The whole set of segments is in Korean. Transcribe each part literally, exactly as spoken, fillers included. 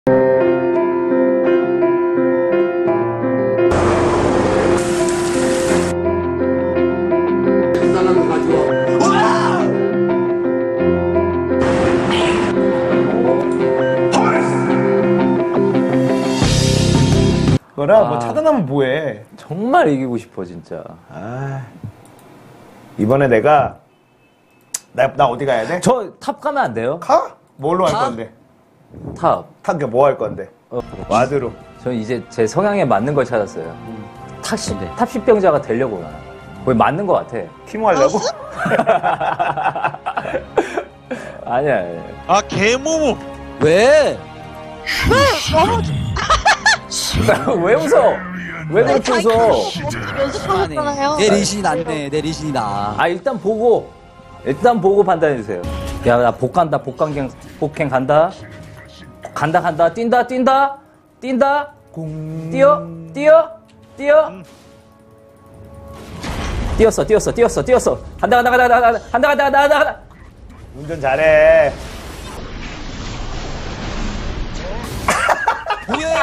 거라 아, 뭐 차단하면 뭐해. 정말 이기고 싶어 진짜. 아, 이번에 내가 나, 나 어디 가야 돼? 저 탑 가면 안 돼요? 가? 뭘로 할 가? 건데? 탑. 탑 뭐 할 건데? 어, 와드로. 전 이제 제 성향에 맞는 걸 찾았어요. 탑십, 탑십병자가 되려고 나. 거의 맞는 것 같아. 티모 하려고? 아니야, 아니야. 아 개모모. 왜? 왜 웃어? 왜 그렇게 웃어? 연습하고 있잖아요. 내 리신이 낫네. 내 리신이 나. 아, 일단 보고, 일단 보고 판단해주세요. 야, 나 복 간다, 복강경, 복행 간다. 간다, 간다, 뛴다, 뛴다, 뛴다. 뛰어, 뛰어, 뛰어. 뛰었어, 뛰었어, 뛰었어, 뛰었어. 간다, 간다, 간다, 간다, 간다, 간다, 간다, 간다, 간다. 운전 잘해. 뭐해?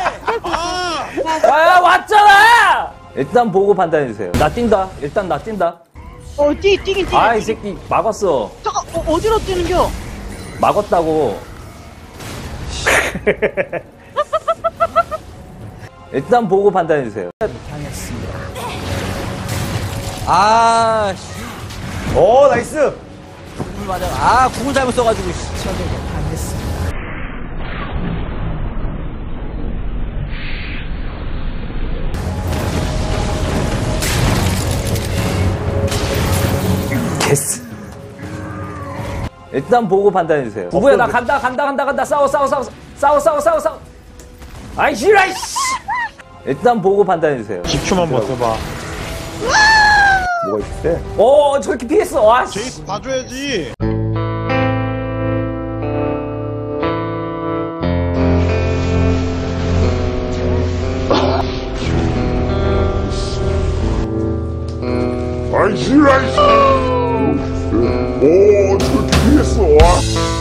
아, 왔잖아! 일단 보고 판단해주세요. 나 뛴다. 일단 나 뛴다. 어, 뛰, 뛰긴 뛰. 아, 이 새끼 막았어. 잠깐, 어, 어디로 뛰는겨? 막았다고. 일단 보고 판단해주세요. 아, 씨. 오, 나이스. 궁을 맞아. 아, 궁을 잘못 써가지고. 씨. 됐어. 일단 보고 판단해주세요. 누구야, 나 간다, 간다, 간다, 간다. 싸워, 싸워, 싸워, 싸워, 싸워, 싸워, 싸워. 아이, 싫어, 이씨. 일단 보고 판단해주세요. 십 초만 버텨봐. 뭐가 있을때? 오, 저렇게 피했어. 와, 씨. 제이스 봐줘야지. 아이, 싫어, 아이, 오, 저렇게 피했어.